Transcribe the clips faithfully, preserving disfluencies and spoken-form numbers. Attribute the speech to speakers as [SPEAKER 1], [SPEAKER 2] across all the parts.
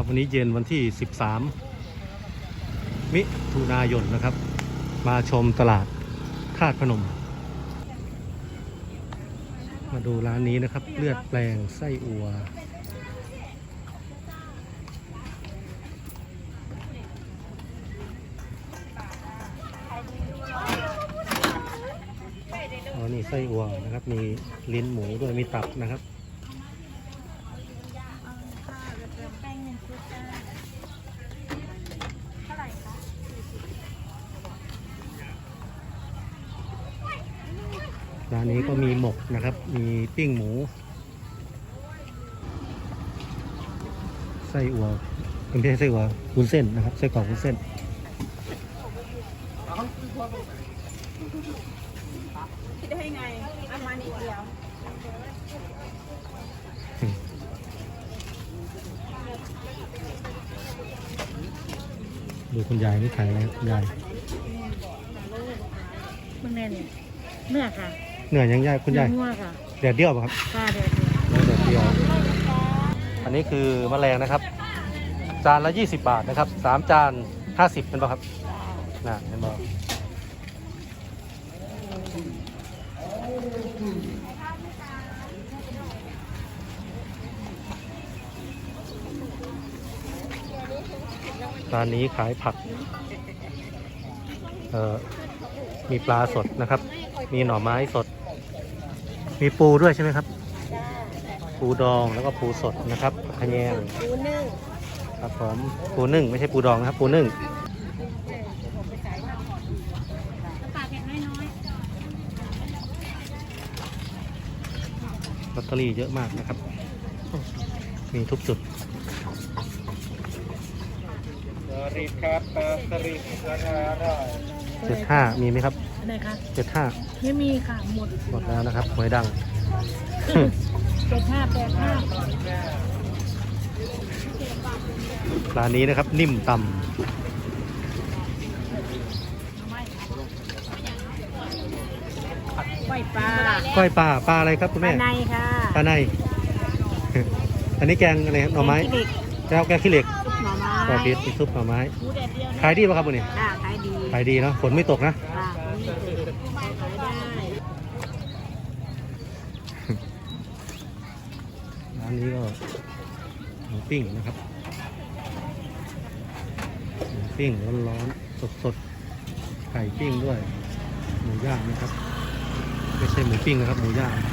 [SPEAKER 1] ครับวันนี้เย็นวันที่สิบสามมิถุนายนนะครับมาชมตลาดธาตุพนมมาดูร้านนี้นะครับเลือดแปลงไส้อั่วอ๋อนี่ไส้อั่วนะครับมีลิ้นหมูด้วยมีตับนะครับร้านนี้ก็มีหมกนะครับมีปิ้งหมูไส้อั่วเป็นไม่ใช่ไส้อั่ววุ้นเส้นนะครับไส้กรอกวุ้นเส้น
[SPEAKER 2] คิดได้ไงเอามานิดเดียว
[SPEAKER 1] ดูคุณยายนี่ขายอะไรคุณยาย
[SPEAKER 2] คุณแม่เนี่ยเนื้อค่ะ
[SPEAKER 1] เหนื่อยยังยายคุณยาย
[SPEAKER 2] เนื้อค่ะ
[SPEAKER 1] แดดเดียวป่ะครับ
[SPEAKER 2] ค่ะแดด
[SPEAKER 1] แดดเดียวอันนี้คือแมลงนะครับจานละยี่สิบบาทนะครับสามจานห้าสิบเป็นป่ะครับน่ะเห็นป่ะร้านนี้ขายผักเอ่อมีปลาสดนะครับมีหน่อไม้สดมีปูด้วยใช่ไหมครับปูดองแล้วก็ปูสดนะครับขะแยง
[SPEAKER 2] ปูนึ่ง
[SPEAKER 1] ครับผมปูนึ่งไม่ใช่ปูดองนะครับปูนึ่งลอตเตอรี่เยอะมากนะครับมีทุกจุดเจ็ดห้ามีไหมครับ
[SPEAKER 2] อะไรคะ
[SPEAKER 1] เจ็ดห้า
[SPEAKER 2] ไม่มีค่ะหมด
[SPEAKER 1] หมดแล้วนะครับหวยดัง
[SPEAKER 2] เจ็ดห้าแปดห้า
[SPEAKER 1] ร้านนี้นะครับนิ่มตำ
[SPEAKER 2] ก้อยปลา
[SPEAKER 1] ก้อยปลาปลาอะไรครับคุณแม่
[SPEAKER 2] ปลาในค่ะ
[SPEAKER 1] ปลาในอันนี้แกงอะไรหน่อไม้แก้วแกงขี้เหล็ก
[SPEAKER 2] หน่อไม้
[SPEAKER 1] แกงพิษซุปหน่อไม้ขายดีป่ะครับวันนี้
[SPEAKER 2] ขายดี
[SPEAKER 1] ขายดีเนาะฝนไม่ตกนะร้านนี้ก็หมูปิ้งนะครับหมูปิ้งร้อนๆสดๆไข่ปิ้งด้วยหมูย่างนะครับไม่ใช่หมูปิ้งนะครับหมูย่าง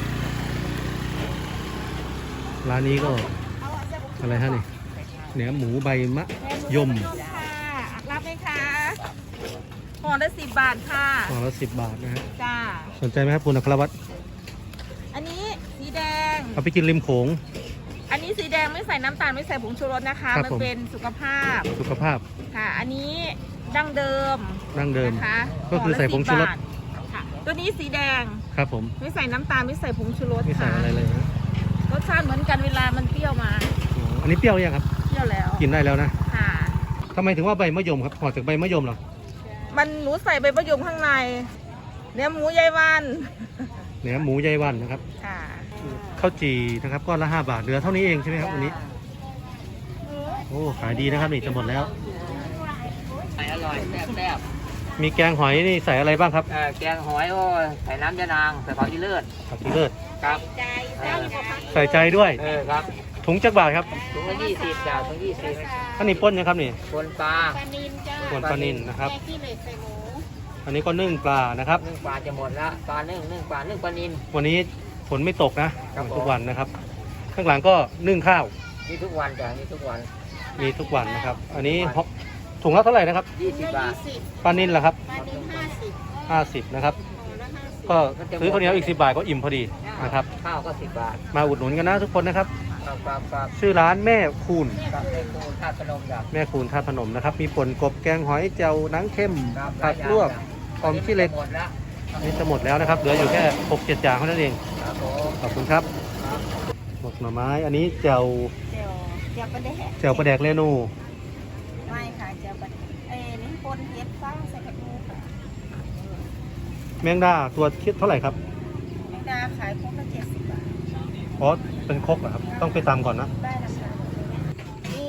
[SPEAKER 1] ร้านนี้ก็อะไรฮะนี่เนื้อหมูใบมะยม
[SPEAKER 2] รับไหมคะห่อละสิบบาทค่ะ
[SPEAKER 1] ห่อละสิบบาทนะฮะ
[SPEAKER 2] จ้า
[SPEAKER 1] สนใจไหมครับคุณอัครวัตร
[SPEAKER 2] อันนี้สีแดง
[SPEAKER 1] เอาไปกินริมโขง
[SPEAKER 2] อันนี้สีแดงไม่ใส่น้ำตาลไม่ใส่ผงชูรสนะคะมันเป็นสุขภาพ
[SPEAKER 1] สุขภาพ
[SPEAKER 2] ค่ะอันนี้ดั้งเดิม
[SPEAKER 1] ดั้งเดิม
[SPEAKER 2] นะคะ
[SPEAKER 1] ก็คือใส่ผงชูรส
[SPEAKER 2] ค่ะตัวนี้สีแดง
[SPEAKER 1] ครับผม
[SPEAKER 2] ไม่ใส่น้ำตาลไม่ใส่ผงชูรส
[SPEAKER 1] ไม่ใส่อะไรเลยนะ
[SPEAKER 2] รสชาติเหมือนกันเวลามันเปรี้ยวมา
[SPEAKER 1] อันนี้เปรี้ยวยังครับ
[SPEAKER 2] เปรี้ยวแล้ว
[SPEAKER 1] กินได้แล้วนะ
[SPEAKER 2] ค่ะ
[SPEAKER 1] ทำไมถึงว่าใบมะยมครับห่อจากใบมะยมหรอ
[SPEAKER 2] มันหนูใส่ใบมะยมข้างในเนื้อหมูยายวัน
[SPEAKER 1] เนื้อหมูยายวันนะครับ
[SPEAKER 2] ค่ะ
[SPEAKER 1] ข้าวจีนะครับก้อนละห้าบาทเหลือเท่านี้เองใช่ไหมครับวันนี้โอ้ขายดีนะครับนี่จะหมดแล้ว
[SPEAKER 3] ใส่อร่อยแซ่บ
[SPEAKER 1] มีแกงหอยนี่ใส่อะไรบ้างครับ
[SPEAKER 3] แกงหอยโอ้ใส่น้ำยานางใส่ผักอีเลิศ
[SPEAKER 1] ผักอีเลิศ
[SPEAKER 3] ครับ
[SPEAKER 1] ใส่ใจด้วย
[SPEAKER 3] เออครับ
[SPEAKER 1] ถุงจักบาทครับ
[SPEAKER 3] ถุงละยี่สิบจ้าถุงยี่สิบ
[SPEAKER 1] อันนี้ป้นนะครับนี่
[SPEAKER 3] ปนปลา
[SPEAKER 1] ปนปลานิลนะครับอันนี้ก็นึ่งปลานะครับ
[SPEAKER 3] นึ่งปลาจะหมดแล้วปลานึ่งนึ่งปลานึ่งปลานิล
[SPEAKER 1] วันนี้ฝนไม่ตกนะทุกวันนะครับข้างหลังก็นึ่งข้าว
[SPEAKER 3] มีทุกวันจ้ะมีทุกวัน
[SPEAKER 1] มีทุกวันนะครับอันนี้ถุงละเท่าไหร่นะครับ
[SPEAKER 3] ยี่สิบบาท
[SPEAKER 1] ปลานิลล่ะครับ
[SPEAKER 2] ปลานิลห้าสิบ
[SPEAKER 1] ห้าสิบนะครับก็ซื้อข้าวเหนียวอีกสิบบาทก็อิ่มพอดีนะครับ
[SPEAKER 3] ข้าวก็สิบบาท
[SPEAKER 1] มาอุดหนุนกันนะทุกคนนะครับ
[SPEAKER 3] ครับ
[SPEAKER 1] ชื่อร้านแม่คูณ
[SPEAKER 3] แม่คูณท่าพนมจ้ะ
[SPEAKER 1] แม่คูณท่าพนมนะครับมีป่นกบแกงหอยเจียวหนังเข้มผัดลวกอมขี้เหล็กนี่จะหมดแล้วนะครับเหลืออยู่แค่หกเจ็ดอย่างเท่านั้นเองขอบคุณครับหมกหน่อไม้อันนี้เจียว
[SPEAKER 2] เจียวปลาแดก
[SPEAKER 1] เจียวปลาแดกเรนู
[SPEAKER 2] ไม่ค่ะเจียวปลาเอ้นี่ปนเห็ดฟางใส่กระดูกค่ะ
[SPEAKER 1] แมงดาตัวคิดเท่าไหร่ครับ
[SPEAKER 2] แมงดาขายครบละเจ็ดสิบบาท
[SPEAKER 1] อ๋อเป็นครกเหรอครับต้องไปตำก่อนนะ
[SPEAKER 2] ได้นะคะมีไก่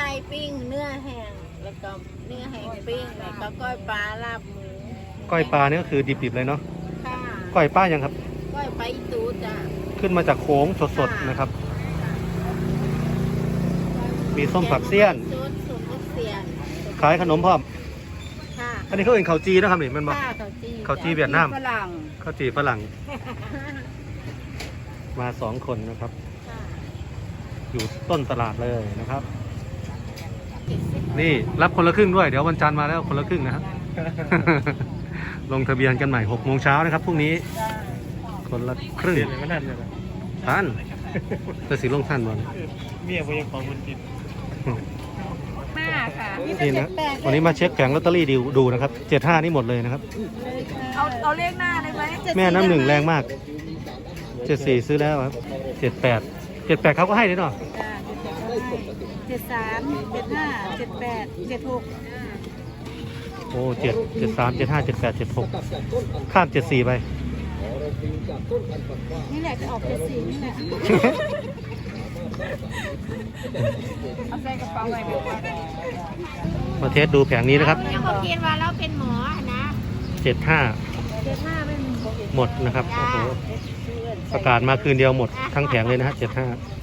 [SPEAKER 2] ปิ้งเนื้อแห้งแล้วก็เนื้อแห้งปิ้งแล้วก็ก้อยปลาลาบหมู
[SPEAKER 1] ก้อยปลาเนี่ยก็คือดิบๆเลยเนาะ
[SPEAKER 2] ค่ะ
[SPEAKER 1] ก้อยปลายังครับ
[SPEAKER 2] ก้อยปลาอีตูจ้ะ
[SPEAKER 1] ขึ้นมาจากโค้งสดๆนะครับ มีส้มผักเสี้ยน
[SPEAKER 2] ส้มส้มผักเสี้ยน
[SPEAKER 1] ขายขนมพร้อม
[SPEAKER 2] ค่ะ
[SPEAKER 1] อันนี้เขาเองข้าวจีนะครับนี่มันบอก
[SPEAKER 2] ค่ะข้าวจี
[SPEAKER 1] ข้าวจีเวียดนาม
[SPEAKER 2] ฝรั่ง
[SPEAKER 1] ข้าวจีฝรั่ง มาสองคนนะครับ
[SPEAKER 2] ค่ะ
[SPEAKER 1] อยู่ต้นตลาดเลยนะครับ นี่รับคนละครึ่งด้วย เดี๋ยววันจันทร์มาแล้วคนละครึ่งนะครับ ลงทะเบียนกันใหม่หกโมงเช้านะครับพรุ่งนี้ คนละครึ่งท่านจะสีลงท่านบอล
[SPEAKER 4] เมียไปยังของคนกิน
[SPEAKER 2] ห้าค่ะ
[SPEAKER 1] นี่นะวันนี้มาเช็คแผงลอตเตอรี่ดูดูนะครับเจ็ดห้านี่หมดเลยนะครับ
[SPEAKER 2] เอาเอาเลขหน้าได้ไหม
[SPEAKER 1] แม่น้ำหนึ่งแรงมากเจ็ดสี่ซื้อแล้วครับเจ็ดแปดเจ็ดแปดเขาก็ให้ด้วยเนาะ
[SPEAKER 2] จ้าเจ็ดสามเจ็ดห้าเจ็ดแปดเจ็ดหก
[SPEAKER 1] โอ้เจ็ดเจ็ดสามเจ็ดห้าเจ็ดแปดเจ็ดหกข้ามเจ็ดสี่ไป
[SPEAKER 2] นี่แหละจะออกเจ็ดสี่นี่แหละเอาใส่กระเป๋าไว้
[SPEAKER 1] มาเทสดูแผงนี้นะครับ
[SPEAKER 2] ยังบอกกินว่าเราเป็นหมอนะ
[SPEAKER 1] เจ็ดห้า
[SPEAKER 2] เจ็ดห้าเป็น
[SPEAKER 1] หมดนะครับโอ้โหประกาศมาคืนเดียวหมดทั้งแผงเลยนะฮะเจ็ดห้า
[SPEAKER 2] จ